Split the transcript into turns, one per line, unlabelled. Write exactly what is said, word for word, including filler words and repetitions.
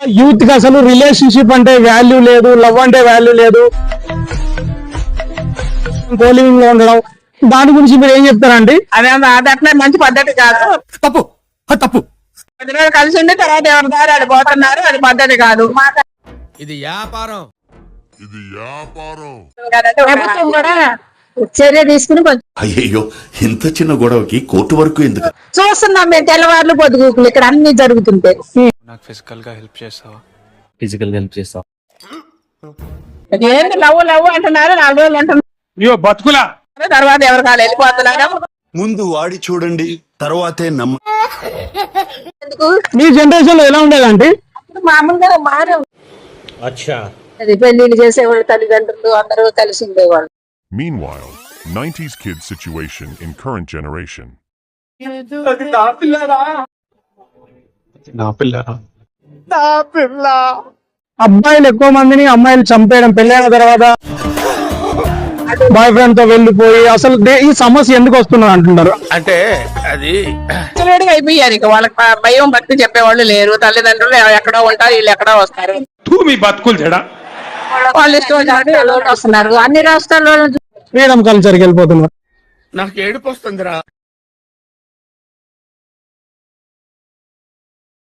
Youth కి అసలు relationship అంటే వాల్యూ లేదు, లవ్ అంటే వాల్యూ లేదు, కోలింగ్ లో ఉండడం, దాని గురించి మీరు ఏం చెప్తారండి?
అదే అది అట్లా మంచి పద్ధతి కాదు,
తప్పు తప్పు.
పది రోజులు కలిసి ఉండి తర్వాత ఎవరి దారి అది పోతున్నారు, అది పద్ధతి కాదు.
ఇది వ్యాపారం.
ఇది వ్యాపారం.
ప్రభుత్వం కూడా చర్య తీసుకుని కొంచెం
అయ్యయ్యో, ఇంత చిన్న గొడవకి కోర్టు వరకు ఎందుకు?
చూస్తున్నాం మేము తెల్లవారులు పొద్దుగూకులు ఇక్కడ అన్ని జరుగుతుంటాయి.
నాకు ఫిజికల్ గా హెల్ప్ చేస్తావా?
ఫిజికల్ గా హెల్ప్ చేస్తావు.
ఏంటి లవ్ లవ్ అంటున్నారు, నాలుగు రోజులు అంటున్నారు,
అయ్యో బతుకులా.
తర్వాత ఎవరు కాలు వెళ్ళిపోతున్నారు.
ముందు వాడి చూడండి, తర్వాతే నమ్మ.
ఎందుకు
మీ జనరేషన్ లో ఎలా ఉండేదండి?
మామూలుగా మారు అది పెళ్లిళ్ళు చేసేవాళ్ళు, తల్లిదండ్రులు అందరూ కలిసి ఉండేవాళ్ళు.
Meanwhile, nineties kids situation in current generation.
నా పిల్లరా?
అబ్బాయిలు ఎక్కువ మందిని అమ్మాయిలు చంపేయడం, పెళ్ళైన తర్వాత బాయ్ ఫ్రెండ్ తో వెళ్ళిపోయి, అసలు దే- ఈ సమస్య ఎందుకు వస్తున్నది అంటున్నారు?
అంటే అది
విచ్చలవిడిగా అయిపోయారు. ఇక వాళ్ళకి భ- భయం భక్తి చెప్పేవాళ్ళు లేరు. తల్లిదండ్రులు ఎక్కడో ఉంటారు, వీళ్ళు ఎక్కడో వస్తారు.
మీ బతుకులు చెడా,
వాళ్ళు ఇష్టం వచ్చినట్టు వీళ్ళు వస్తున్నారు. అన్ని రాష్ట్రాల్లో
ఫ్రీడమ్ కల్చర్కి వెళ్ళిపోతున్నారు.
నాకు ఏడుపు వస్తుందిరా.